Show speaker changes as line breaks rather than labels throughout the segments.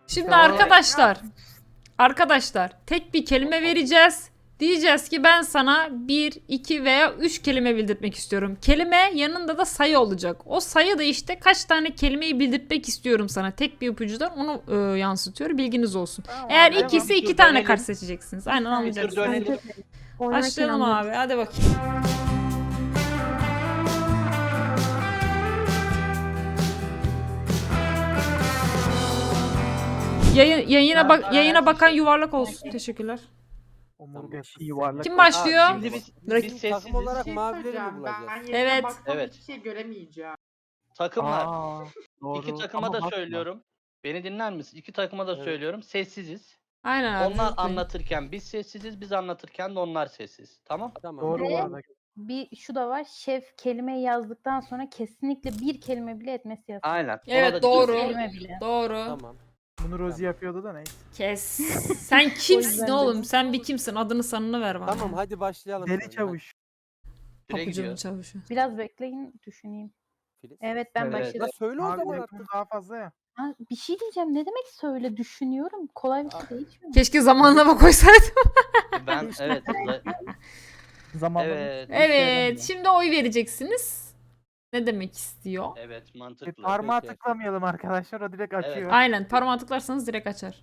Şimdi arkadaşlar tek bir kelime vereceğiz. Diyeceğiz ki ben sana 1, 2 veya 3 kelime bildirtmek istiyorum. Kelime yanında da sayı olacak. O sayı da işte kaç tane kelimeyi bildirtmek istiyorum sana. Tek bir ipucudan onu yansıtıyor. Bilginiz olsun.
Tamam,
Eğer
devam.
ikisi
Bir
2
tur
tane
dönelim.
kart seçeceksiniz. Aynen
Bir tur
anlayacaksınız.
dönelim.
Başlayalım abi. Hadi bakayım. Yayına bakan yuvarlak olsun. Teşekkürler.
Omurgası yuvarlak.
Kim başlıyor?
Şimdi biz
Rakip-
sessiziz.
Takım olarak
Şey
mavileri mi
söyleyeceğim,
bulacağız?
Ben yerine
Evet.
baksam
Evet.
hiçbir şey göremeyeceğim.
Takımlar.
Doğru.
İki takıma
Ama
da
bakma.
söylüyorum. Beni dinler misin? İki takıma da
Evet.
söylüyorum. Sessiziz.
Aynen abi.
Onlar
lütfen.
anlatırken biz sessiziz. Biz anlatırken de onlar sessiz. Tamam?
Tamam.
Doğru bu
Ve-
arada.
Bir şu da var. Şef kelimeyi yazdıktan sonra kesinlikle bir kelime bile etmesi yasak.
Aynen. Ona
Evet,
da
doğru.
dikkat edin.
Kelime bile.
Doğru.
Tamam.
Bunu Rozi yapıyordu da neyse.
Kes. Sen kimsin
yüzden de-
oğlum? Sen bir kimsin? Adını sanını ver bana.
Tamam hadi başlayalım.
Deli
kanka.
çavuş.
Süre
Papucunun
gidiyor.
çavuşu.
Biraz bekleyin düşüneyim.
Filiz.
Evet ben
Evet.
başladım.
Ya söyle o
Abi
zaman
oyunumuz
artık.
daha fazla ya.
Ha, bir şey diyeceğim. Ne demek söyle düşünüyorum. Kolay bir şey değil mi?
Keşke zamanlama koysaydım.
Ben evet.
Zamanla
Evet.
Evet. Şimdi oy vereceksiniz. Ne demek istiyor?
Evet, mantıklı.
Parmağı
Peki.
tıklamayalım arkadaşlar. O direkt açıyor.
Aynen. Parmağı tıklarsanız direkt açar.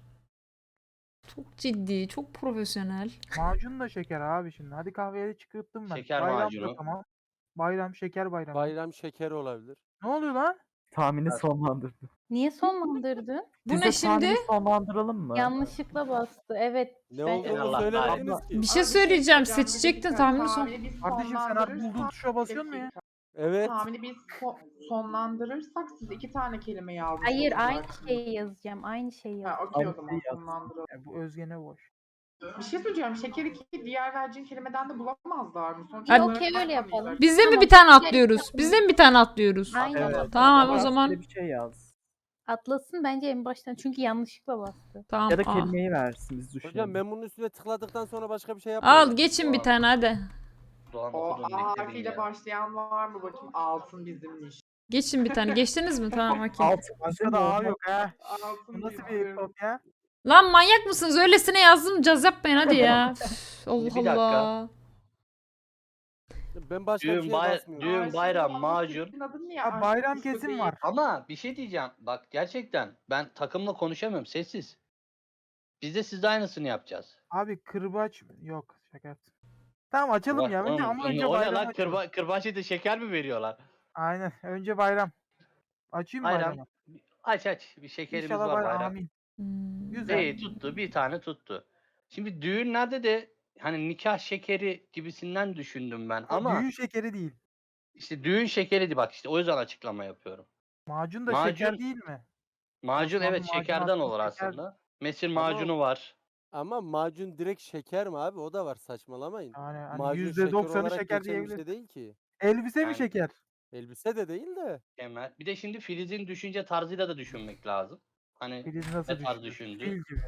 Çok ciddi, çok profesyonel.
Macun da şeker abi şimdi. Hadi kahveye çıkarttım ben.
Şeker
Bayram da
macunu.
tamam. Bayram şeker bayramı.
Bayram şekeri olabilir.
Ne oluyor lan?
Tahmini sonlandırdı.
Niye sonlandırdın?
Bu
Biz
ne
de
şimdi?
tahmini sonlandıralım mı?
Yanlışlıkla bastı. Evet.
Ne
ben-
olduğunu
Allah
söylemediniz ki.
Bir şey
Ama
söyleyeceğim.
söyleyeceğim,
Seçecektin
bir
tahmini
dakika,
son.
tahmini biz
Kardeşim sen abi bulduğun
sonlandırırsak-
tuşa basıyorsun mu ya?
Evet.
Tahmini biz sonlandırırsak siz 2 tane kelime yazdınız.
Hayır aynı şeyi yazacağım. Aynı şeyi
Ha,
yazacağım.
okey o
Aynı
zaman
şeyi yaz.
sonlandıralım.
Bu Özgen'e boş.
Bir şey söyleyeceğim. Şekeri ki diğer vereceğin kelimeden de bulamazlar mı? Sonuç
Hadi.
olarak
Okey, öyle
bakmayacak.
yapalım.
Biz de mi
Tamam.
bir tane atlıyoruz? Biz de mi bir tane atlıyoruz?
Aynen.
Evet.
Tamam o
Ama
zaman.
rastgele bir şey yaz.
Atlasın bence en baştan. Çünkü yanlışlıkla bastı.
Tamam.
Ya da
al.
kelimeyi versin biz düşünelim.
Hocam ben bunun üstüne tıkladıktan sonra başka bir şey yapmıyorum.
Al geçin bir tane hadi.
Doğan
O
okudun
A
bekledin
harfiyle
ya.
başlayan var mı bakayım? Altın bizimmiş.
Geçin bir tane. Geçtiniz mi? Tamam okey.
Başka da A yok ha.
Altın
Bu nasıl bir
bizim.
kopya?
Lan manyak mısınız? Öylesine yazdım. Caz yapmayın hadi ya. Üf, Allah
Bir dakika.
Allah.
Ben başka bir
Düğün,
şeye
bay-
basmıyorum.
düğün,
Ay,
bayram,
şimdi
macun.
Şefin adı niye
Ha,
Aşk
bayram
Kuşu
kesin
değil?
var.
Ama bir şey diyeceğim. Bak gerçekten ben takımla konuşamıyorum. Sessiz. Biz de sizde aynısını yapacağız.
Abi kırbaç yok. Şaka yaptım. Tamam açalım ya. Önce, ama önce
o ne
bayram
lan?
açalım.
Kırbaç ete şeker mi veriyorlar?
Aynen. Önce bayram. Açayım mı
Bayram.
bayramı?
Aç. Bir şekerimiz
İnşallah
var
bayram.
bayram.
Amin.
Hmm.
Güzel.
İyi tuttu. Bir tane tuttu. Şimdi düğünlerde de hani nikah şekeri gibisinden düşündüm ben. Ama
Düğün şekeri değil.
işte düğün şekeriydi bak işte o yüzden açıklama yapıyorum.
Macun da
Macun-
şeker değil mi?
Macun
Osmanlı
evet
macunu
şekerden
aslında
olur
şeker.
aslında. Mesir
Ama-
macunu var.
Ama macun direkt şeker mi abi? O da var saçmalamayın.
Yani hani
Macun
%90'ı
olarak
şeker
geçen bir
diyebiliriz.
şey değil ki.
Elbise
Yani-
mi şeker?
Elbise de değil de.
Emel. Bir de şimdi Filiz'in düşünce tarzıyla da düşünmek lazım. Hani
Filiz nasıl
ne tarz
düşündü?
düşündü?
Fil gibi.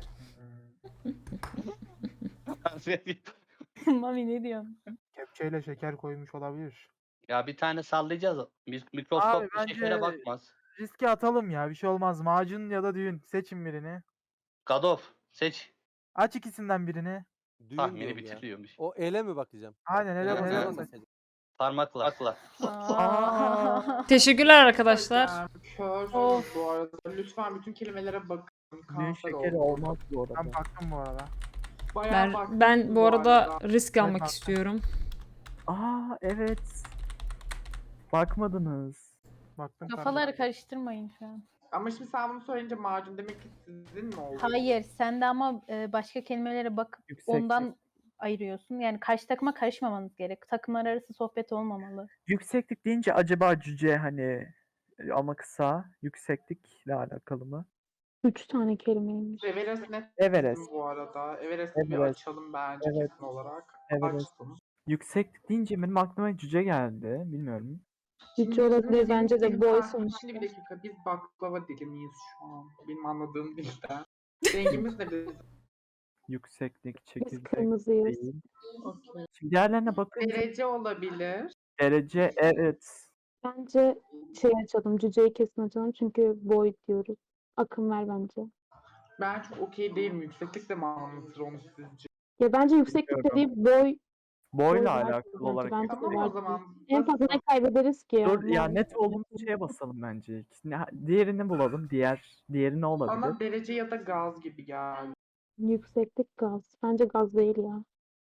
Mami ne diyorsun?
Kepçeyle şeker koymuş olabilir.
Ya bir tane sallayacağız. Mikroskop
Abi
bir şekere
bence-
bakmaz.
Riske atalım ya. Bir şey olmaz. Macun ya da düğün. Seçin birini.
Gadof seç.
Aç ikisinden birini.
Düğün
Tahmini
diyorum ya.
bitiriyormuş.
O ele mi bakacağım?
Aynen hele
Evet,
hele
evet.
basacağım.
Parmakla.
Aa.
Teşekkürler arkadaşlar.
Körsünüz
Of.
bu arada. Lütfen bütün kelimelere bakın.
Düğün
Kanser
şekeri
olun.
olmaz bu arada.
Ben baktım bu arada.
Bayağı baktım
Ben bu arada risk almak
baktım.
istiyorum.
Aa evet. Bakmadınız.
Baktım.
Kafaları karıştırmayın şu an.
Ama şimdi sen bunu söyleyince macun demek ki sizin mi oldu?
Hayır sen de ama başka kelimelere bakıp
Yüksek
ondan ayırıyorsun. Yani karşı takıma karışmamanız gerek. Takımlar arası sohbet olmamalı.
Yükseklik deyince acaba cüce hani ama kısa yükseklikle alakalı mı?
3 tane kelimeymiş.
Everest net
Everest.
bizim bu arada. Everest'i bir
Everest.
açalım bence
Evet.
kesin olarak.
Everest.
Açtım.
Yükseklik deyince benim aklıma cüce geldi. Bilmiyorum.
Cüce olabilir bence de boy
Şimdi
sonuçta.
bir dakika biz baklava dili miyiz şu an? Benim anladığım dilden. Rengimiz ne bizim?
Yükseklik,
Biz
çekirdek
kırmızıyız.
değil.
Okey.
Şimdi diğerlerine bakınca
Derece olabilir.
derece evet.
Bence şey açalım, cüceyi kesin açalım çünkü boy diyoruz. Akım ver bence.
Ben çok okey değilim. Yükseklik de mi anlatır onu sizce?
Ya bence yükseklik
Bilmiyorum.
dediği boy
Boyla
var
alakalı
bence.
olarak.
Bence
Tamam o
var.
zaman.
En fazla ne
basit.
kaybederiz ki?
Dur ya,
Yani
net olumlu şeye basalım bence. Diğerini bulalım. Diğeri ne olabilir?
Bana derece ya da gaz gibi geldi.
Yükseklik gaz. Bence gaz değil ya.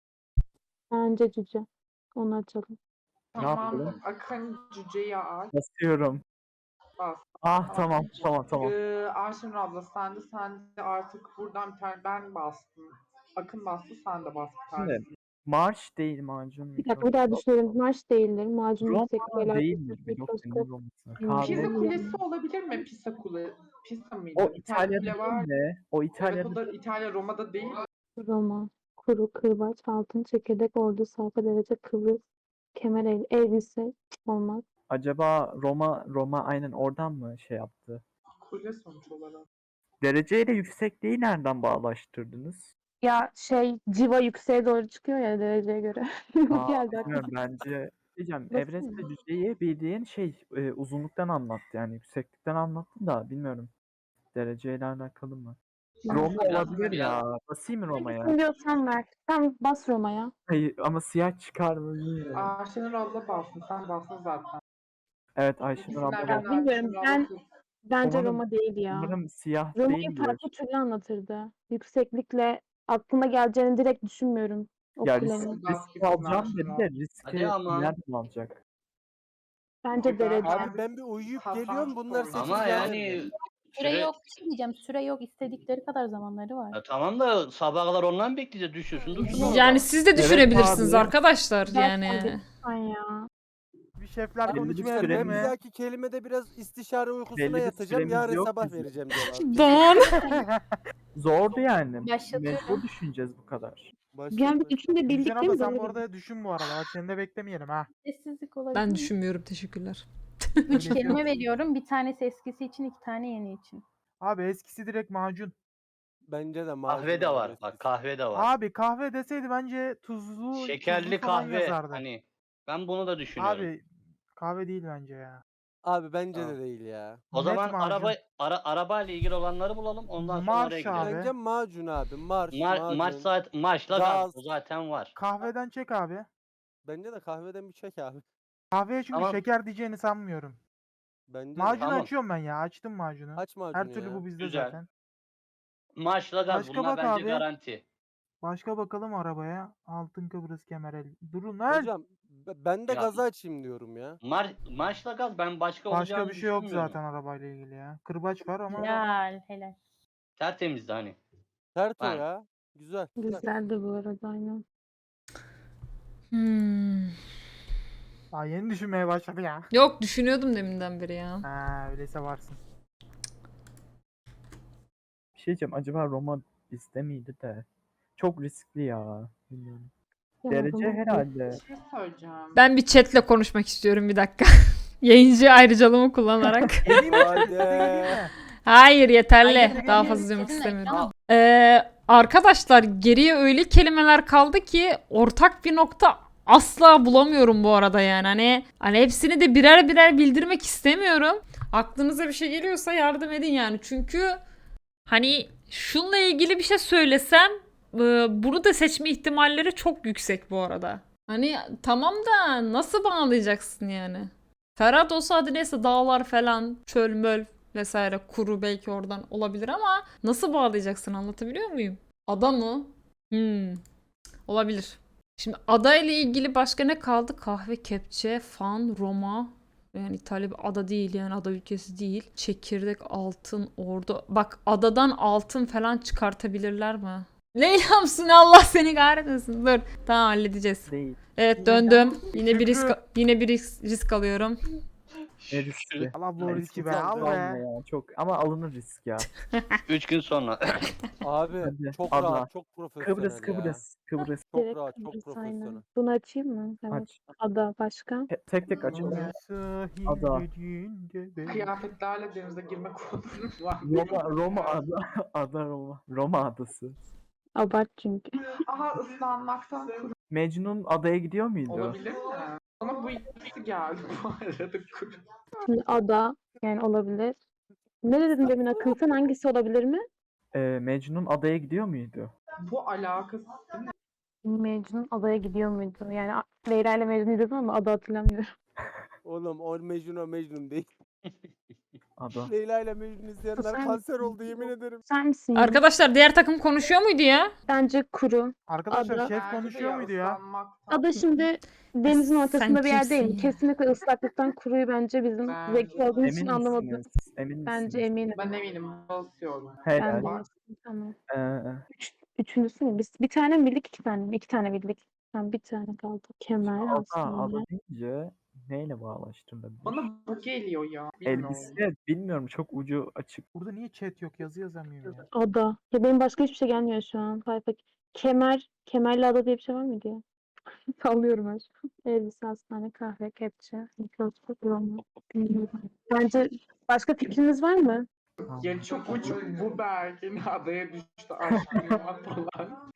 Bence cüce. Onu açalım.
Ne
Tamam.
yapalım?
Akın cüceyi aç.
Basıyorum.
Bas.
Ah tamam tamam.
Ayşenur abla sen de artık buradan bir tane ben bastım. Akın bastı sen de bas bir
Şimdi
tanesini.
marş değil macun.
Bir dakika bir daha düşünelim. Marş değildir. Macun
Roma
yüksekliği
değildir.
alakası
Yok
mikroskop.
senin Roma'sına.
Kahve.
Pisa
Kahve.
Kulesi olabilir mi? Pisa Kule. Pisa mıydı?
O
Bir tane
İtalya'da
kule var.
değil de. O
Evet
İtalya'da
o da İtalya Roma'da değil.
Roma. Kuru, kırbaç, altın, çekirdek, ordu, sayfa, derece, kıvrıs, kemer, elbise olmaz.
acaba Roma aynen oradan mı şey yaptı?
Kule sonuç olarak.
Dereceyle yüksekliği nereden bağlaştırdınız?
Ya civa yükseğe doğru çıkıyor ya dereceye göre.
Aa,
Geldi aklıma.
bilmiyorum bence. Diyeceğim
Basın
Everest
mı?
ve Cüce'yi bildiğin uzunluktan anlattı yani yükseklikten anlattı da bilmiyorum. Dereceyle alakalı mı? Roma
Biraz-
olabilir
biraz-
ya. Basayım mı Roma'ya?
Hangisini diyorsan ver. Sen bas Roma'ya.
Hayır ama siyah çıkar mı bilmiyorum.
Ayşenur abla bastın. Sen bastın zaten.
Evet Ayşenur abla
İkisinden
bak.
birini
bilmiyorum,
Ayşenur abla
ben- Bence
Umarım-
Roma değil ya.
Umarım siyah
Roma'yı
değildir.
farklı türlü anlatırdı. Yükseklikle aklıma geleceğini direkt düşünmüyorum. O
Ya
kulenin.
risk alacağım dedi de riski
Hadi ama.
nereden alacak?
Bence derece.
Abi,
Ben bir uyuyup
Kazanç
geliyorum bunlar
koymuş.
8
Ama
vermedi.
yani
Süre
süre-
yok. Bir şey diyeceğim. Süre yok. İstedikleri kadar zamanları var.
Ya tamam da sabaha kadar ondan bekleyeceğiz. Düşüyorsun dursun orada.
Yani siz de
Evet
düşünebilirsiniz
abi.
arkadaşlar
Ben
yani.
lütfen ya.
Bir şefler
Belli bir
konuşmaya
süre
değil
Ben
mi?
bir
mi?
dahaki kelimede biraz istişare uykusuna
Belli bir
yatacağım.
süremiz
Yarın
yok
sabah
bizim.
vereceğim cevabı.
Don.
Zordu yani.
Başlatıyorum.
Mecbur düşüneceğiz bu kadar.
Yani bu üçünü de
Gülşen
bildik değil
abla
mi?
sen bu
Doğru.
arada düşün bu arada. Bak seni de beklemeyelim ha.
Sessizlik olabilir
Ben
mi?
düşünmüyorum, teşekkürler.
3 kelime veriyorum. Bir tanesi eskisi için, 2 tane yeni için.
Abi eskisi direkt macun.
Bence de macun
Kahve de
abi,
var.
eskisi.
Bak kahve de var.
Abi kahve deseydi bence tuzlu
Şekerli
falan
kahve.
yazardı.
Hani ben bunu da düşünüyorum.
Abi kahve değil bence ya.
Abi bence
Tamam.
de değil ya.
O
net
zaman
macun.
arabayla ilgili olanları bulalım. Ondan sonra
Marş
oraya gidelim.
abi.
Bence macun abi. Marş,
Marşla gaz.
Gaz.
O zaten var.
Kahveden çek abi.
Bence de kahveden bir çek abi.
Kahveye çünkü
Tamam.
şeker diyeceğini sanmıyorum.
Bence de.
Macunu
Tamam.
açıyorum ben ya. Açtım macunu.
Aç macunu
Her türlü
ya.
bu bizde
Güzel.
zaten.
Marşla gaz.
Başka
Bunlar
bak
bence
abi.
garanti.
Başka bakalım arabaya. Altın Kıbrıs Kemerel. Durun lan.
Hocam ben de
Ya-
gazı açayım diyorum ya.
Marşla gaz ben başka
Başka
olacağını
bir şey yok
düşünmüyorum.
zaten arabayla ilgili ya. Kırbaç var ama
Helal, helal.
Tertemizdi hani.
Sert o
Ben-
ya. Güzel.
Güzeldi bu arada aynen.
daha yeni düşünmeye başladı ya.
Yok, düşünüyordum deminden beri ya.
Ha öyleyse varsın.
Bir şey diyeceğim. Acaba Roma bizde miydi de? Çok riskli ya. Bilmiyorum.
Ya
Derece
Roma-
herhalde.
Bir şey söyleyeceğim.
Ben bir chatle konuşmak istiyorum bir dakika. Yayıncı ayrıcalığımı kullanarak.
Geleyim mi?
Haydi.
Geleyim mi?
Hayır, yeterli.
Hayır,
Daha
hayır,
fazla izlemek
kesinlikle.
istemiyorum.
Ama
Arkadaşlar geriye öyle kelimeler kaldı ki ortak bir nokta asla bulamıyorum bu arada yani. Hani hepsini de birer birer bildirmek istemiyorum. Aklınıza bir şey geliyorsa yardım edin yani. Çünkü hani şunla ilgili bir şey söylesem bunu da seçme ihtimalleri çok yüksek bu arada. Hani tamam da nasıl bağlayacaksın yani? Ferhat olsa hadi neyse dağlar falan, çöl möl vesaire, kuru belki oradan olabilir ama nasıl bağlayacaksın, anlatabiliyor muyum? Ada mı? Olabilir. Şimdi ada ile ilgili başka ne kaldı? Kahve, kepçe, fan, Roma. Yani İtalya bir ada değil, yani ada ülkesi değil. Çekirdek, altın, ordu. Bak adadan altın falan çıkartabilirler mi? Leyla'msın, Allah seni kahretmesin. Dur. Tamam, halledeceğiz.
Değil.
Evet, döndüm. Yine bir risk alıyorum.
Ne riskli.
Allah bu
Ay,
riski be
çok
al
alma
be.
ya, çok ama alınır risk ya.
3 gün sonra.
Abi
Hadi,
çok
abla.
rahat, çok profesyonel
Kıbrıs
ya.
Kıbrıs.
Çok
Direkt
rahat, çok
Kıbrıs, aynen.
profesyonel.
Bunu açayım mı? Evet.
Aç.
Ada başka.
Tek tek açalım. Ada.
Kıyafetlerle denize girme kodum var.
Roma ada Roma. Roma adası.
Abart çünkü.
Aha ıslanmaktan
Mecnun adaya gidiyor muydu?
olabilir mi? Ama bu ikisi geldi bu arada.
Şimdi ada yani olabilir. Ne dedin demin Akın, sen hangisi olabilir mi?
Mecnun adaya gidiyor muydu?
Bu alakası ne?
Mecnun adaya gidiyor muydu? Yani Leyla ile Mecnun izledim ama adı hatırlamıyorum.
Oğlum o Mecnun değil.
Ada.
Leyla ile Mecnun izleyenler
Sen-
kanser oldu yemin ederim.
Sen misin? Yunus?
Arkadaşlar diğer takım konuşuyor muydu ya?
Bence kuru.
Arkadaşlar
Ada-
şef
Bence de
konuşuyor muydu ya?
ıslanmaktan.
Ada şimdi denizin ortasında
Sen
bir yer değil.
kimsin ya?
Kesinlikle ıslaklıktan kuruyu bence bizim
Bence
zeki
de.
olduğumuz için
Emin
anlamadı.
misiniz? Emin
Bence
misiniz?
eminim.
Ben eminim basıyorum.
Ben
Helal.
de eminim. Tamam.
Ee,
Üçüncüsü mü? Biz bir tane mi bildik, iki tane mi? İki tane bildik. Tamam, bir tane kaldı. Kemal,
ada
Hastane.
deyince neyle bağlaştırılabilir?
Bana bu geliyor ya. Bilmiyorum.
Elbise bilmiyorum, çok ucu açık.
Burada niye chat yok? Yazı yazamıyorum ya.
Ada. Ya benim başka hiçbir şey gelmiyor şu an. Kemer. Kemerli ada diye bir şey var mıydı ya? Sallıyorum ben şu an. Elbise, hastane, kahve, kepçe, mikroskop, Roma. Bilmiyorum. Bence başka fikriniz var mı?
Ya çok uçuk bu Bergin adaya düştü aşkına falan.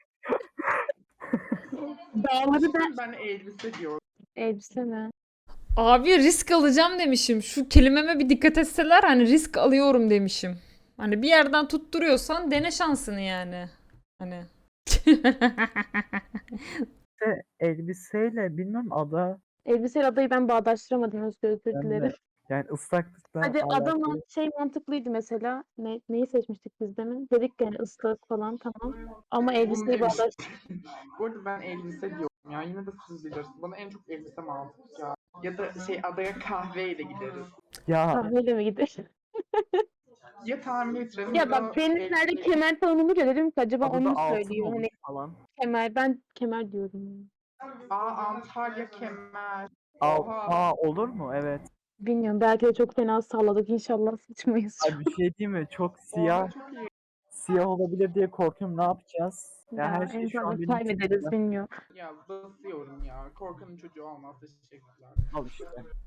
Dağları da
Ben elbise diyorum.
elbise mi?
Abi risk alacağım demişim. Şu kelimeme bir dikkat etseler hani risk alıyorum demişim. Hani bir yerden tutturuyorsan dene şansını yani. Hani.
Elbiseyle bilmem ada
Elbiseyle adayı ben bağdaştıramadım, özür
ben de-
dilerim.
yani ıslaklıktan
Hadi adam
alakalı.
şey mantıklıydı mesela. Neyi seçmiştik biz demin? Dedik yani ıslak falan tamam. Ama elbiseyi
demiş.
bağdaş.
Bu arada ben elbise diyorum ya. Yine de siz bilirsiniz. Bana en çok elbise mantıklı ya. Ya da şey adaya kahveyle gideriz.
Ya
Kahveyle mi gider?
Ya tahmin ettirelim
Ya
da
bak denizlerde
elbise-
kemer falan olur ya, dedim ki acaba
adada
onu mu
altın
söylüyor?
olur
Hani
falan.
kemer, ben kemer diyorum.
Antalya kemer.
Olur mu? Evet.
Bilmiyorum, belki de çok fena salladık, inşallah sıçmayız.
Abi bir şey değil mi? Çok siyah
Çok iyi.
siyah olabilir diye korkuyorum. Ne yapacağız? Ya
Ya
her şey
en
şu an
fazla
benim
kaybederiz,
içimde.
bilmiyorum.
Ya basıyorum ya. Korkanın çocuğu olmaz. Teşekkürler.
Al işte.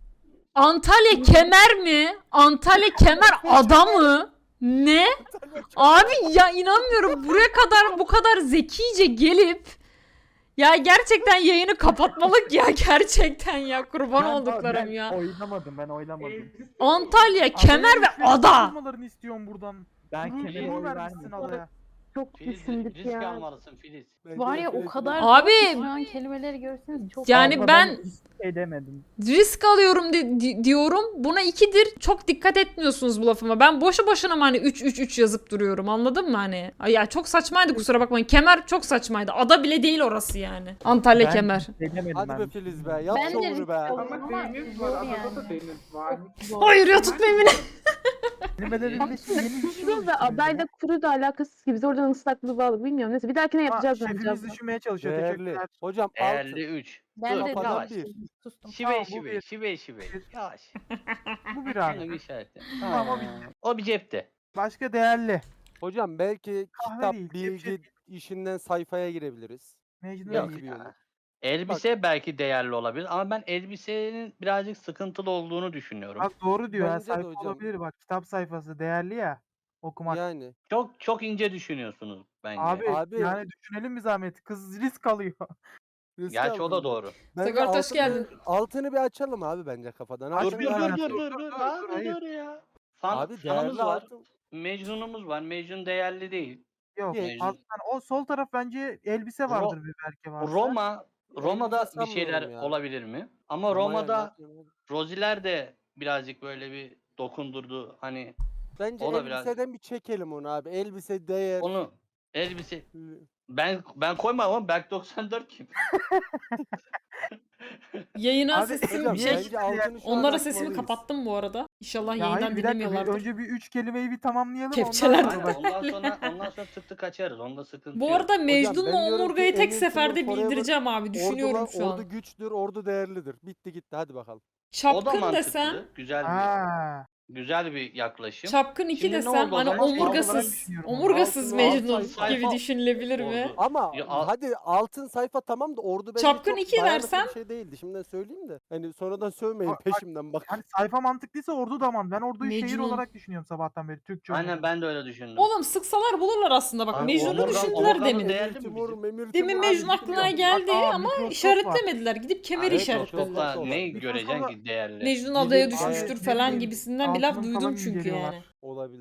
Antalya kemer mi? Antalya kemer ada mı? Ne? Abi ya inanmıyorum. Buraya kadar bu kadar zekice gelip ya gerçekten yayını kapatmalık ya gerçekten ya kurban olduklarım
Ben
ya.
oylamadım.
Elbise
Antalya kemer ve
Adaya
ada.
almalarını istiyorum buradan.
Ben
Kuru
kemere
kuru
oy
vermişsin
vermedim.
adaya.
Çok
Filiz
düşündük
risk
ya.
almalısın Filiz.
Bence
Var ya o
Filiz-
kadar
Abi
şu an kelimeleri görseniz çok
yani
Abla
ben
hiçbir şey demedim.
risk alıyorum diyorum. Buna 2'dir. Çok dikkat etmiyorsunuz bu lafıma. Ben boşu boşuna mı hani 3 yazıp duruyorum. Anladın mı hani? Ay ya çok saçmaydı kusura bakmayın. Kemer çok saçmaydı. Ada bile değil orası yani. Antalya
Ben
kemer.
hiçbir şey demedim
Hadi
ben.
be Filiz be yap
Ben de
şovunu
risk
be.
alıyorum.
ama
Ama
deniz
zor
var. Adada
yani.
da deniz var.
Hayır ya tutmayın beni.
Kelimelerinde yeni bir şey
Kuru ve
oluşturuyor
adayla
ya.
kuru da alakasız gibi. Biz oradan ıslaklığı bağlı. Bilmiyorum. Neyse bir dahakine
Ama
yapacağız
şefimiz
bence.
düşünmeye çalışıyor.
Değerli.
Teşekkürler.
Hocam
Değerli 3.
Ben
Dur,
de
kafadan
yavaş.
bir.
sustum.
Şive
Tamam, bu
şive
bir.
şive. Yavaş.
Bu bir
Canım
abi.
işareti.
Tamam, o bir.
O bir cepte.
Başka değerli.
Hocam belki
Kahve
kitap,
değil,
bilgi
kepçe.
işinden sayfaya girebiliriz.
Mecnun
Yok
değil.
gibi olur.
Elbise belki değerli olabilir ama ben elbisenin birazcık sıkıntılı olduğunu düşünüyorum.
Bak doğru diyor ya.
Bence de
Sayfa
hocam.
olabilir bak. Kitap sayfası değerli ya. Okumak.
Yani.
Çok ince düşünüyorsunuz bence.
Abi,
Abi-
yani düşünelim bir zahmet. Kız risk alıyor.
risk
Gerçi o da
aldım.
doğru.
Bence
Sigorta hoş
altını-
geldin.
Altını bir açalım abi bence kafadan.
Dur
Açın
dur
ya.
dur dur
dur,
dur dur.
dur,
Abi
hayır.
dur ya.
Abi
Fanımız
değerli
var.
altın.
Mecnun'umuz var. Mecnun değerli değil.
Yok.
Mecnun.
Alttan, o sol taraf bence elbise vardır bir belki varsa.
Roma'da
Elbise
bir şeyler
sanmıyorum ya.
olabilir mi? Ama
Roma'ya
Roma'da
ne yapayım?
Roziler de birazcık böyle bir dokundurdu. Hani
Bence
o da biraz-
elbiseden bir çekelim onu abi. Elbise değer.
onu elbise ben koymam ama Berk 94 kim?
Yayına
Abi,
sesim
Hocam
şey.
bence altını şu an
Onlara sesimi
açmalıyız.
kapattım bu arada. İnşallah
Ya hayır
yayından
bir dakika.
dinlemiyorlardır.
Önce bir 3 kelimeyi bir tamamlayalım.
Kepçeler.
Ondan sonra bak.
Ondan sonra tık tık açarız. Onda sıkıntı
Bu
yok.
arada Mecnun'la
ben diyorum ki
Omurga'yı tek
Emir
seferde
Timur Forever
bildireceğim abi. Düşünüyorum şu
Ordu
an.
güçtür, ordu değerlidir. Bitti gitti hadi bakalım.
O da
Çapkın
mantıklı.
desem.
Güzel bir yaklaşım.
Çapkın 2
Şimdi ne
desem
oldu o
hani
zaman? Şey olarak
omurgasız.
düşünüyorum.
Omurgasız
Altın
Mecnun
sayfa
gibi düşünülebilir mi?
oldu.
Ama
Ya, al-
hadi altın sayfa tamam da ordu bence
Çapkın
çok
iki
dayanıklı
versem-
bir şey değildi. Şimdiden söyleyeyim de. Hani sonradan sövmeyin
Bak-
peşimden bak.
Yani sayfa mantıklıysa ordu da man. Ben orduyu şehir
Mecnun.
olarak düşünüyorum sabahtan beri. Türkçe
Aynen
olarak.
ben de öyle düşündüm.
Oğlum sıksalar bulurlar aslında bak.
Abi,
Mecnun'u
omurga-
düşündüler
omurgamız
demin.
değerli
Emir
mi
Timur,
bizim?
Memir
Demin
Timur,
Mecnun
abi
aklına
bilmiyorum.
geldi
Bak,
ama
Microsoft
işaretlemediler. Gidip kemeri
Evet,
işaretlediler.
Microsoft'ta
Microsoft'ta
neyi
Microsoft'ta-
göreceksin ki değerli?
Mecnun
Millet
adaya
Abi,
düşmüştür
ne
falan
bileyim,
gibisinden bir laf
altının
duydum
falan
çünkü
inceliyorlar.
yani.
Olabilir.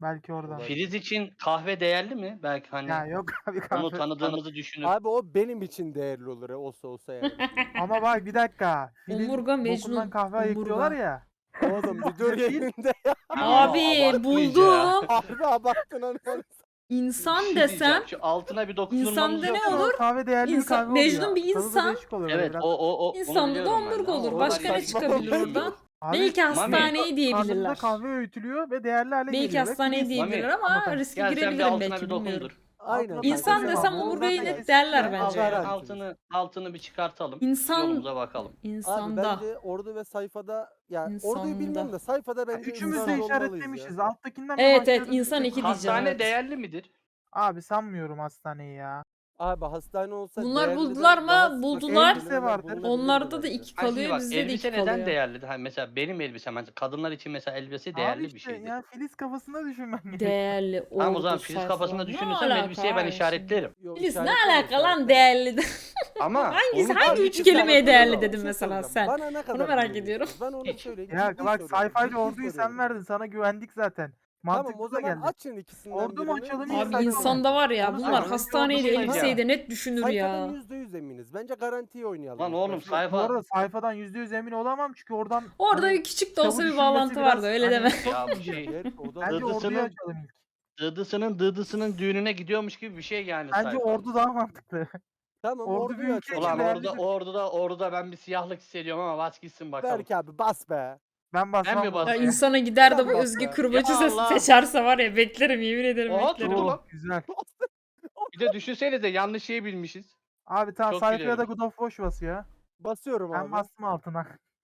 Belki oradan.
Filiz için kahve değerli mi? Belki hani
Ya yok abi
onu
kahve.
tanıdığımızı düşünüp.
Abi o benim için değerli olur ya, olsa yani.
Ama bak bir dakika. Filin
Omurga
bokundan
Mecnun.
kahve ayıklıyorlar
Omurga.
ya.
Oğlum bir dur yerinde.
Abi
abartma
buldum.
Harbi abarttın onu.
İnsan
Bir şey
desem
diyeceğim, şu altına bir dokundurmamız
insanda
yok
ne
mu?
olur?
Kahve değerli bir
İnsan-
kahve oluyor.
Mecnun bir
Tadı da
insan.
değişik oluyor böyle
Evet
biraz.
onu
insanda da
biliyorum ben de
omurga
ama
olur.
o
Başka
da
ne
saçma
çıkabilir
bir şey.
oradan?
Abi,
Belki
Mami.
hastaneye
karnında
diyebilirler.
kahve öğütülüyor ve değerli hale
Belki
geliyor. Ve
hastaneye
Filiz-
diyebilirler
Mami,
ama
anlatamam.
riske
Gel sen bir
girebilirim
altına
belki
bir
bilmiyorum.
dokundur.
Aynen.
İnsan
Kanka,
desem
bu
omurgayı
zaten
net derler
eski-
bence.
Agaran.
Altını bir çıkartalım.
İnsan
Yolumuza bakalım.
Abi
insanda.
bence ordu ve sayfada, ya
İnsanda.
orduyu bilmiyorum da sayfada
Ya
bence
üçümüz
insan
de
olmalıyız
işaretlemişiz.
ya.
Alttakinden bir
Evet,
başlayalım,
evet, insan
bir
iki
tek-
diyeceğim.
Hastane
evet.
değerli midir?
Abi sanmıyorum hastaneyi ya.
Abi hastane olsa
Bunlar
değerli de
buldular mı?
daha sık
Buldular.
kelimeler
vardır.
bulunabilirdi
Onlarda da
bence.
iki
Ha şimdi
kalıyor,
bak
bizde de iki
elbise neden
kalıyor.
değerlidir? Hani mesela benim elbisem mesela kadınlar için mesela elbise değerli
Abi
bir
işte
şeydir.
ya Filiz kafasında düşünmen gerekiyor.
Değerli
Tamam o zaman
ordu
Filiz
sayfa.
kafasında
Ne
düşünürsem
alaka
elbiseye ben
abi
işaretlerim.
Yok,
Filiz ne
işaretleme,
alaka lan
işaretleme.
değerli?
Ama
Hangisi-
onun
hangi
tabii
üç
ki-
kelimeye
Sana
değerli
soracağım,
dedin
bir şey
mesela
soracağım.
sen?
Bana ne kadar
merak
güveniyorsun?
ediyorum.
Ben onu
Hiç.
söyleyeyim.
Ya
ciddi
bak
soruyorum,
sayfayla
ciddi
orduyu sen
soruyorum.
verdin. Sana güvendik zaten.
Tamam
Mantıklı
o
da
zaman
geldi.
açın ikisinden
Ordu mu
birini.
açalım,
Bir
iyi
Abi
sayfa mı?
insanda var ya
Onu
bunlar
söyle.
hastaneyi de
Bir şey
elbiseyi de net düşünür
Sayfadan
ya.
%100 eminiz. Bence garantiye oynayalım.
Lan
ilk
oğlum
başta.
Bu
sayfa.
arada sayfadan %100 emin olamam çünkü oradan
Orada
hani
bir küçük de olsa
çabuk
bir bağlantı
düşünmesi
vardı
biraz
öyle
hani
deme.
Ya bu şey.
Gerçi o da
bence orduyu
Dıdısının-
açalım ilk.
Dıdısının düğününe gidiyormuş gibi bir şey yani
Bence
sayfa.
ordu daha mantıklı.
Tamam
Ordu
orduyu
bir ülke
açalım.
Ulan
değerli
orada ben bir siyahlık hissediyorum ama bas gitsin bakalım.
Berk abi bas be.
Ben basmam.
Ben mi
bu
basayım?
Ya
arada.
insana gider de
Sen
bu
bak
Özge
ya.
Kırbacı
Ya
sesi
Allah.
seçerse var ya beklerim yemin ederim
Oha,
beklerim.
tuttu lan.
Güzel.
Bir de düşünsenize yanlış şeyi bilmişiz.
Abi tamam
Çok
sayfaya da
gülerim.
God of War basıyor.
Basıyorum
Ben
abi.
bastım altına.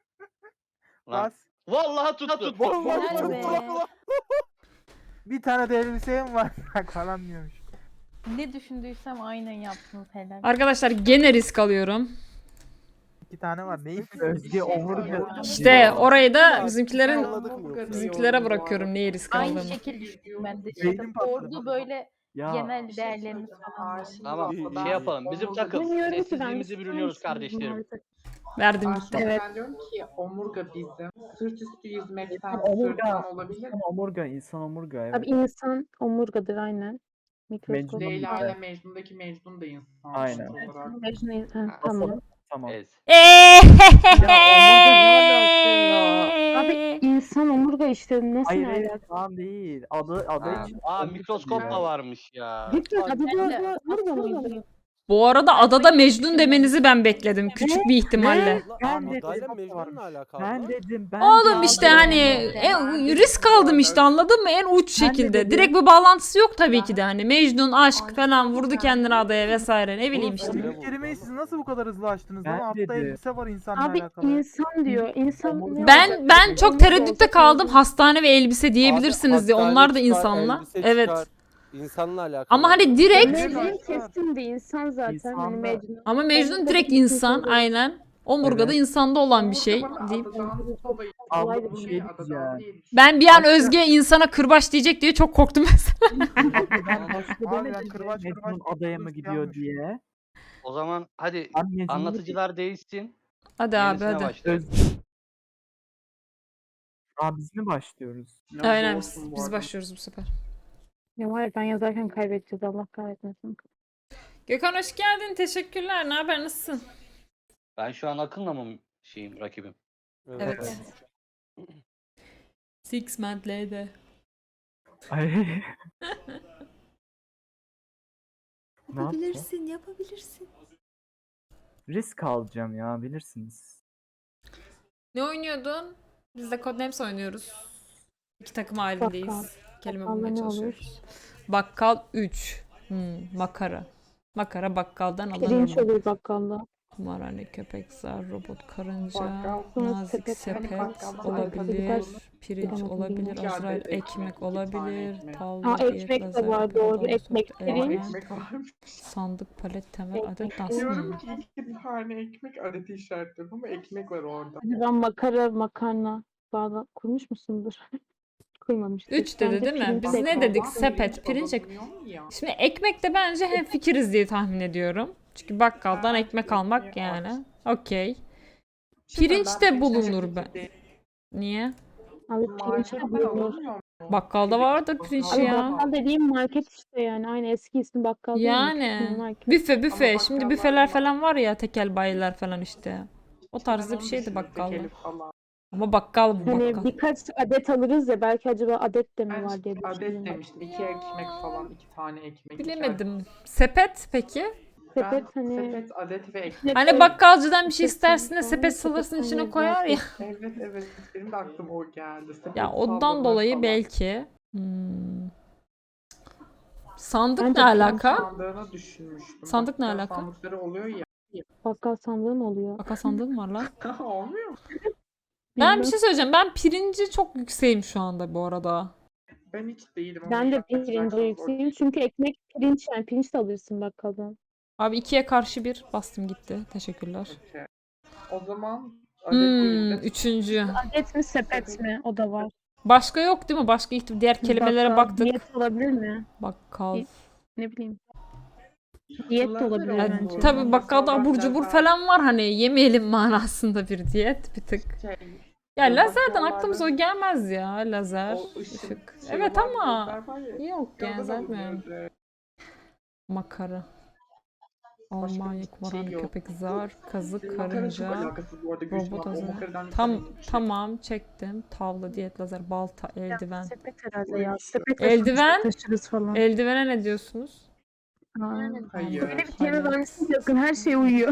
Lan.
Bas.
Vallahi tuttu.
Vallahi
Helal
tuttu
be.
lan.
Bir tane de elbisem var falan diyormuş.
Ne düşündüysem aynen yaptınız helal.
Arkadaşlar gene risk alıyorum.
2 tane var. Neyi?
Özge
omurga.
İşte orayı da
Ya,
bizimkilerin
anladık mı yoksa?
bizimkilere bırakıyorum neyi risk
Aynı
aldığımı.
şekil düşündüm ben de.
Beynim patladı.
Ordu böyle
Ya
genel değerlerini falan.
Tamam
İyi,
şey
iyi.
yapalım. Bizim takım
Bilmiyorum ki ben
sessizliğimizi bürünüyoruz
ister
kardeşlerim.
misiniz?
Verdim
Ben,
gitti.
Evet.
ben diyorum ki omurga bizim. Sırt üstü yüzmekten
Omurga.
sırtlan olabilir.
insan omurga, insan omurga evet.
Abi insan omurgadır aynen. Mikroskop.
Mecnun
Leyla
omurga.
ile Mecnun'daki Mecnun da insan.
Aynen.
olarak.
Mecnun,
Ha,
tamam.
Tamam.
Evet.
Abi insan omurga işte nasıl
Hayır
ne
hayır
alaka?
falan değil. Adı
Ha,
için.
Aa
omurga
mikroskop
diyor.
da varmış ya.
Cidden adı
Ben
da
de
omurga
omurga
mıydı?
Bu arada adada Mecnun demenizi ben bekledim küçük bir ihtimalle.
Ben
Ben
de-
Adayla Mecnun'la alakalı.
Ben dedim ben
Oğlum
de-
işte hani risk aldım işte anladın mı en uç
Ben de
şekilde.
dedim.
Direkt bir bağlantısı yok tabii ki de hani Mecnun aşk falan vurdu kendini adaya vesaire ne bileyim
Oğlum,
işte.
öyle
Bu
vurdu
kelimeyi
ama.
siz nasıl bu kadar hızlı açtınız
Ben
lan? Altta
dedi.
elbise var insanla
Abi
alakalı.
insan diyor. İnsan ne olacak?
Ben çok
Omurga
tereddütte
olsa
kaldım
tamam.
hastane ve elbise diyebilirsiniz diye
Hastane
onlar da
çıkar,
insanla.
elbise
Evet.
çıkar, İnsanla alakalı.
Ama hani direkt
Mecnun kesin de insan zaten.
İnsan
Hani
da-
Mecnun.
ama Mecnun
Omurga
direkt
değil,
insan
insan değil.
aynen. Omurgada
Evet.
insanda olan bir şey
Bana
deyip.
adadan sobayı-
Abla
bir
Omurgayı
şey
adadan
diyeceğim.
değil.
Ben bir an
Başka-
Özge insana kırbaç diyecek diye çok korktum mesela.
Ben başta
Abi ben
demedim
kırbaç
Mecnun
kırbaç
adaya mı
kırbaç
gidiyor
yanlış.
diye.
O zaman hadi
Ben Mecnun'u
anlatıcılar değişsin.
Hadi abi
Yenisine
hadi.
başlayalım.
Biz mi başlıyoruz?
Aynen biz başlıyoruz bu sefer.
Ya var ya ben yazarken kaybedeceğiz Allah kahretmesin.
Gökhan hoş geldin. Teşekkürler. Ne haber? Nasılsın?
Ben şu an Akın'la mı rakibim?
Evet. Six month later.
Ay. Ne yaptı?
Yapabilirsin, yapabilirsin.
Risk alacağım ya bilirsiniz.
Ne oynuyordun? Biz de Codenames oynuyoruz. İki takım halindeyiz.
Bakkal.
Kelime
Bakkalda
bulmaya
ne olur?
çalışıyoruz. Bakkal 3. Makara. Makara bakkaldan
Pirinç
alınır mı?
olur bakkalda.
Kumarhane, köpek, zar, robot, karınca,
Bakkal,
sonra
nazik
sepet,
sepet
bakkaldan
olabilir,
alabilir.
pirinç
Bilemedim,
olabilir,
bilmiyorum.
İki
Azrail
adet ekmek,
ekmek
iki tane
olabilir,
ekmek.
tavla,
Aa,
diyet,
ekmek de
lazer,
var, doğru.
pardon,
Ekmek,
süt,
pirinç.
elma,
Ekmek varmış.
sandık, palet, temel,
Ekmek,
adet, dans.
pirinç.
Diyorum ki iki tane ekmek adeti işaretliyorum ama ekmek var orada.
Hadi ben makarna bağla kurmuş musundur? Kurmamıştır.
3 dedi
Bence
değil mi?
pirinç
Biz
de
ne
ekmek.
dedik?
Ama
Sepet, pirinç,
alınmıyor mu ya?
Şimdi ekmek de bence hem fikiriz diye tahmin ediyorum. Çünkü bakkaldan ekmek almak yani. Okey.
Şimdi
Pirinç
ben
de
pirinçle
bulunur
hep
be.
fikir değilim.
Niye?
Abi pirinç
Markette
de bulunur.
alamıyor mu?
Bakkalda vardır pirinç
Abi
ya.
bakkal dediğim market işte yani. Aynı eski ismi bakkal değil mi?
Yani
Market.
büfe.
Ama
Şimdi
bakkallar
büfeler
var.
falan var ya, tekel bayiler falan işte. O
Ben
tarzda bir
onu
şeydi
düşündüm,
bakkalda.
tekeli falan.
Ama bakkal bu
Hani
bakkal.
birkaç adet alırız ya belki acaba adet de mi
Ben
var diye
adet
düşündüm.
demiştim. 2 ekmek falan. 2 tane ekmek.
Bilemedim. Sepet peki?
Ben
Sepet hani
sepet, adet ve ekmek.
Hani bakkalcıdan bir şey
Sepet
istersin de
falan,
sepet salırsın
sepetten
içine
yediler
koyar ya.
Evet. Benim de aklıma o geldi. Sepet
Ya ondan
salladılar
dolayı
falan.
belki. Sandık
Bence
ne
bakkal
alaka?
Sandığını düşünmüştüm.
Sandık ne
Bakkal
alaka?
sandıkları oluyor ya.
bakkal sandığı mı oluyor?
Bakkal sandığı mı var lan?
Olmuyor mu?
Ben bir
Bilmem.
şey söyleyeceğim. Ben pirinci çok yükseğim şu anda bu arada.
Ben hiç değilim. ama
Ben de
yapacaksanız
pirince yükseğim
okey.
çünkü ekmek pirinç yani pirinç de alırsın bakkaldan.
Abi 2'ye karşı 1 bastım gitti. Teşekkürler.
Okey. O zaman adet değil de
Üçüncü.
Adet mi sepet mi? O da var.
Başka yok değil mi? Başka diğer kelimelere
Bakkal,
baktık.
diyet olabilir mi?
Bakkal.
Ne bileyim. Diyet de
Lazer
olabilir
oldu.
bence.
Tabii bakkalda
Mesela
abur
ben
cubur
lazer-
falan var, hani yemeyelim manasında bir diyet bir tık.
şey,
Ya
Ya
lazerden
bakkallarda-
aklımıza o gelmez ya, lazer,
o
ışık.
şey
Evet
olan
ama
lazer var ya,
yok yani
oradan
zaten.
alınıyor.
Makara.
Başka
Almanya,
bir şey
kumarhane,
yok.
köpek, zar, kazık,
Makara çok
karınca,
alakasız bu arada
robot
Gülşen abla. O
azarı.
makaradan bir
Tam
tane yemiş.
tamam çektim. Tavla, diyet, lazer, balta, eldiven.
Sepet herhalde
Öyle
ya.
bir şey.
Sepet
Eldiven?
taşırız falan.
Eldivene ne diyorsunuz?
Hayır.
Böyle bir kelime vermişsin yakın her şey uyuyor.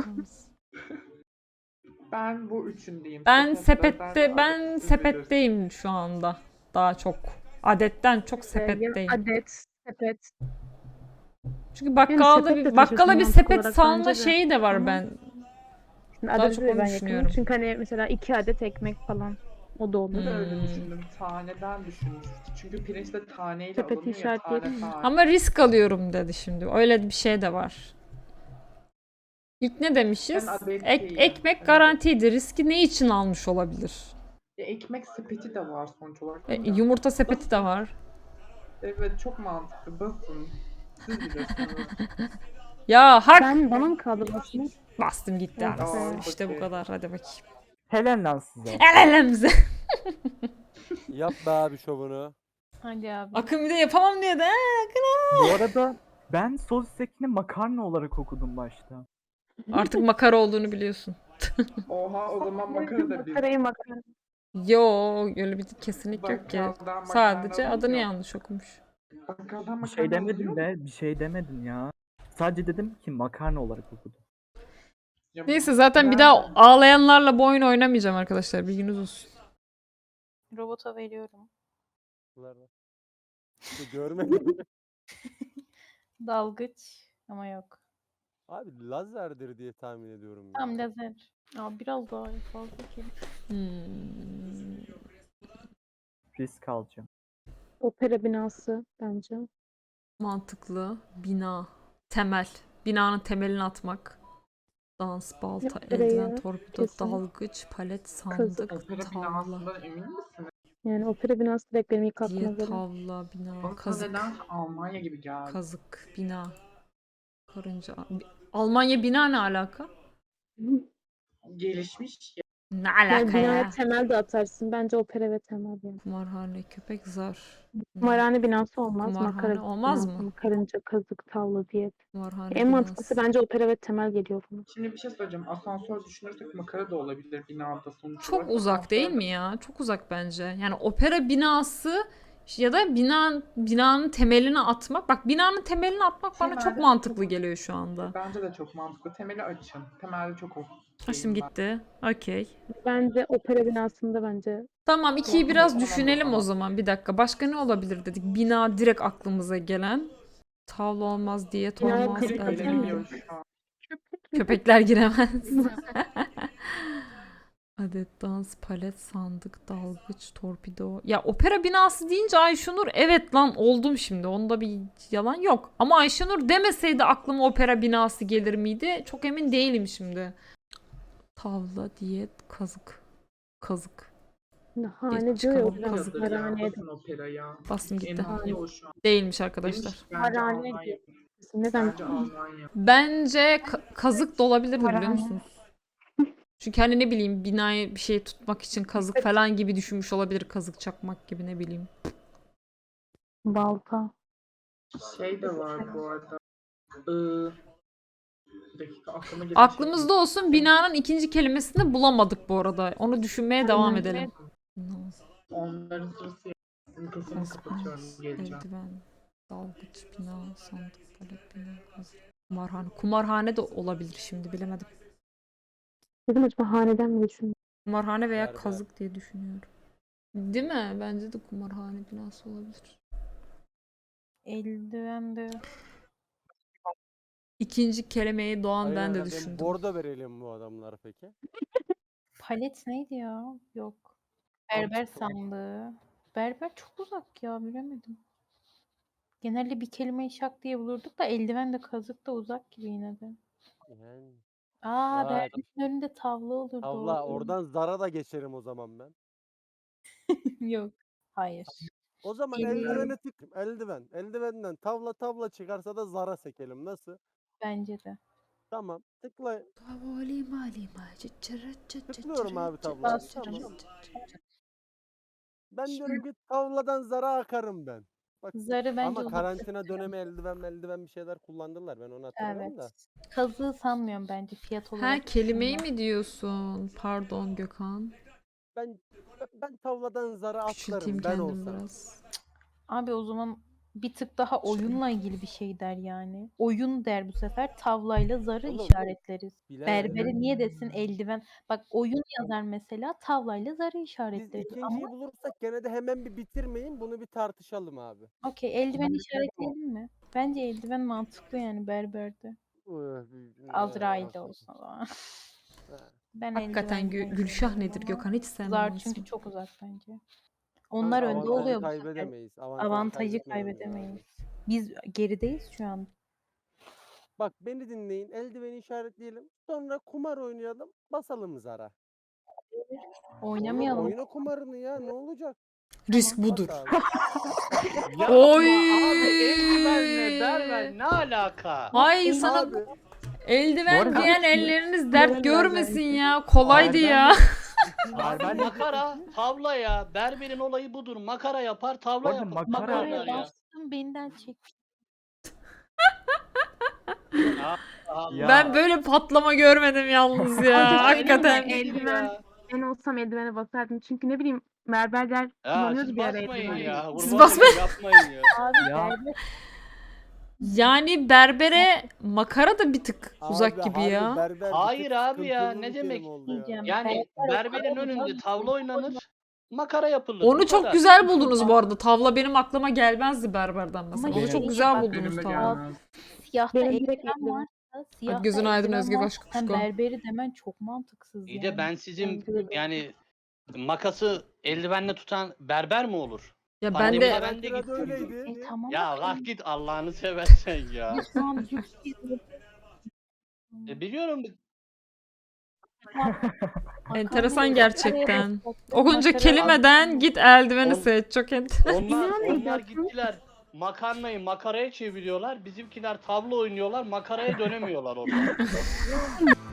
Ben bu üçündeyim.
Ben
Sepet, lazer
sepette
ve
ben
adet, siz
sepetteyim şu anda. Daha çok. Adetten çok
Ya
sepetteyim.
adet, sepet.
Çünkü bakkalda
sepet de
bakkala
taşıyorsun
bir
mantık
sepet
olarak
salma
bence de.
şeyi de var
Ama
ben.
Şimdi
Daha
adeti
çok
de
onu
ben
düşünüyorum.
yakınım. Çünkü hani mesela 2 adet ekmek falan. O da olur.
Ben de öyle
Hmm.
düşündüm. Taneden düşünmüştüm. Çünkü pirinç de taneyle
Sepeti
alınıyor ya. Tane
işaretleyelim mi?
tane.
Ama risk alıyorum dedi şimdi. Öyle bir şey de var. İlk ne demişiz?
Ben adet değilim.
Ekmek
Ben
garantiydi. Riski ne için almış olabilir?
Ekmek sepeti de var sonuç olarak.
Yumurta sepeti de var.
Evet çok mantıklı. Basın. Siz bilirsiniz.
Ya hak!
Bana mı kaldı basmak?
Bastım gitti
Evet.
anasını.
Aa,
İşte bu
okey.
kadar. Hadi bakayım.
Helal lan size.
El elemize.
Yap be abi şovunu.
Hadi abi.
Akın bir de yapamam diye de.
Bu arada ben sosis ekini makarna olarak okudum başta.
Artık makara olduğunu biliyorsun.
Oha o zaman makara da bir.
Makarayı makara.
Yo, öyle bir kesinlik yok ki.
Bakkaldan
Sadece
makarna
adını
alınıyor.
yanlış okumuş.
Bakkaldan
Bir şey
makarna
demedim
alınıyor
be. Bir şey demedim ya. Sadece dedim ki makarna olarak okudum.
Ya
Neyse zaten bir
ben-
daha ağlayanlarla bu oyunu oynamayacağım arkadaşlar. Bilginiz olsun.
Robota veriyorum.
Görmedim.
Dalgıç ama yok.
Abi lazerdir diye tahmin ediyorum ya.
Tam lazer. Ya biraz daha fazla kelime.
Risk alacağım.
Opera binası bence.
Mantıklı. Bina. Temel. Binanın temelini atmak. Dans, balta,
Yaptırıyor,
eldiven, torpido,
kesin.
dalgıç, palet, sandık,
Opera
tavla.
binasından emin misiniz?
Yani opera binası direkt benim ilk aklıma
Diye
gelen.
tavla, bina,
Bana
kazık,
neden Almanya gibi geldi.
kazık, bina. Karınca. Almanya bina ne alaka?
Gelişmiş ya.
Ne
Yani
alaka
binaya
ya?
temel de atarsın. Bence opera ve temel yani.
Kumarhane, köpek, zar.
Kumarhane binası olmaz.
Kumarhane
Makara
olmaz
binası,
mı?
Karınca, kazık, tavla, diyet.
Kumarhane
En mantıklısı
binası.
bence opera ve temel geliyor bana.
Şimdi bir şey söyleyeceğim. Asansör düşünürsek makara da olabilir binada sonuç
Çok
olarak.
uzak değil mi ya? Çok uzak bence. Yani opera binası ya da binanın temelini atmak. Bak, binanın temelini atmak bana çok
Temelde
mantıklı
çok-
geliyor şu anda.
Bence de çok mantıklı. Temeli açın. Temelde çok olsun.
Açtım gitti. Okey.
Bence opera binasında bence
Tamam, ikiyi
Tamam,
biraz
tamam,
düşünelim o
tamam.
zaman. Bir dakika. Başka ne olabilir dedik. Bina direkt aklımıza gelen. Tavla olmaz, diyet
Binaya
olmaz.
kazık
Biri
atar
eldiven-
gelebiliyor
mısın?
şu an.
Köpekler giremez. Adet, dans, palet, sandık, dalgıç, torpido. Ya opera binası deyince Ayşenur, evet lan oldum şimdi. Onda bir yalan yok. Ama Ayşenur demeseydi aklıma opera binası gelir miydi? Çok emin değilim şimdi. Tavla, diyet, kazık. Kazık.
Hane diyor ya
çıkalım,
hocam.
kazık.
Harane.
Basın opera ya.
Bastım
En
gitti.
hali o şu an.
Değilmiş arkadaşlar.
Demiş, bence
Harane
Almanya.
diye. Neden?
Bence Almanya.
Bence kazık da olabilir, biliyor
Harane.
musunuz? Çünkü hani ne bileyim binayı bir şey tutmak için kazık falan gibi düşünmüş olabilir. Kazık çakmak gibi ne bileyim.
Balta.
Şey de var bu arada. Bir dakika aklıma gelen
Aklımızda olsun, binanın ikinci kelimesini bulamadık bu arada. Onu düşünmeye devam
Aynen.
edelim.
Onların sırası sesini kapatıyorum. Geleceğim.
Eldiven, dalgıç, bina, sandık, palet, bina, kazık. Kumarhane. Kumarhane de olabilir şimdi, bilemedim.
Dedim acaba haneden mi düşündüm?
Kumarhane veya
Berber.
kazık diye düşünüyorum. Değil mi? Bence de kumarhane binası olabilir.
Eldiven de.
İkinci kelimeyi Doğan ben de
Aynen,
düşündüm.
bordo verelim bu adamlara peki.
Palet neydi ya? Yok. Berber sandığı. Berber çok uzak ya, bilemedim. Genelde bir kelimeyi şak diye bulurduk da eldiven de kazık da uzak gibi yine de.
Yani.
Aa,
Ya.
berberin önünde tavla olur,
Tavla
doğru.
oradan zara da geçerim o zaman ben.
Yok. Hayır.
O zaman
Bilmiyorum.
eldiveni tık. Eldiven. Eldivenden tavla çıkarsa da zara sekelim. Nasıl?
Bence de.
Tamam. Tıkla.
Tıklıyorum
abi tablayı.
Bastırın.
Tamam. Ben diyorum ki tavladan zara akarım ben. Bak,
Zarı bence
ama
uzak
karantina
seçiyorum.
dönemi eldiven bir şeyler kullandılar. Ben onu hatırlıyorum da.
Evet. Kazığı sanmıyorum bence fiyat
Ha,
olarak.
kelimeyi mi diyorsun? Pardon Gökhan.
Ben tavladan zara
Küçülteyim
atlarım ben
kendim
olsam.
biraz.
Abi o zaman bir tık daha oyunla ilgili bir şey der yani. Oyun der bu sefer. Tavlayla zarı
Oğlum,
işaretleriz.
bilemedim.
Berberi niye desin eldiven? Bak oyun yazar mesela, tavlayla zarı
Biz
işaretleriz.
ikinciyi
Ama
bulursak gene de hemen bir bitirmeyin. Bunu bir tartışalım abi.
okey, eldiven işaretleyelim mi? Bence eldiven mantıklı yani berberde. Azrail'de olsun o zaman. Ben
Hakikaten
eldiven
Gülşah
diyorum
nedir
ama
Gökhan, hiç sevmem
Zar
o
çünkü
ismi.
çok uzak bence. Onlar önde
Avantajı
oluyor bu sefer.
kaybedemeyiz.
Avantajı
kaybetmememiz lazım.
kaybedemeyiz. Biz gerideyiz şu an.
Bak beni dinleyin. Eldiveni işaretleyelim. Sonra kumar oynayalım. Basalım zara. Oğlum,
Oynamayalım.
oyna kumarını ya. Ne olacak?
Risk
Bas
budur.
abi.
Yapma
Oy!
abi, eldivenle berber ne alaka?
Ay sana
Abi
eldiven
Bu arada-
giyen elleriniz
Berber
dert görmesin
belki.
ya. Kolaydı ya.
Abi makara, tavla ya. Berberin olayı budur. Makara yapar, tavla
Orada
yapar.
makara-
oynar
Makaraya
ya.
bastım, benden çek.
Ya.
Ben böyle patlama görmedim yalnız ya.
Hadi
Hakikaten.
söyleme, eldiven. Ben olsam eldivene basardım. Çünkü ne bileyim berberler
Ya
kullanıyordu
siz
bir ara
basmayın
eldiven.
ya.
Siz
Kurban
basmayın.
olayım, yapmayın ya.
Abi
Ya.
berber
Yani berbere makara da bir tık uzak
abi,
gibi
harbi
ya.
berber bir
Hayır
tık
abi ya,
sıkıntılı
ne
bir
demek?
kelime oldu ya.
diyeceğim.
Yani
Berber
berberin
makara
önünde
mı?
tavla oynanır, makara yapılır.
Onu
Bu
çok
kadar.
güzel buldunuz bu arada. Tavla benim aklıma gelmezdi berberden mesela.
Ama
Onu
şey-
çok güzel
bak,
buldunuz
Önüme
tavla.
gelmez.
Siyahta
Benim direkt
eldiven
eldiven.
varsa, siyahta
gözün aydın
eldiven
Özge
varsa sen
Başkuşko.
berberi demen çok mantıksız
İyi
yani.
de ben sizin
Bence de.
yani makası eldivenle tutan berber mi olur?
Ya ben
Pandemi
de
ben de
Karantinada
gittim.
öyleydi.
Tamam.
Ya
da
kalk git Allah'ını seversen ya.
biz şu an lüks
Biliyorum.
enteresan gerçekten.
O
Okunca kelimeden git eldiveni
On-
seç. Çok enteresan.
Onlar gittiler makarnayı makaraya çeviriyorlar. Bizimkiler tavla oynuyorlar. Makaraya dönemiyorlar orada.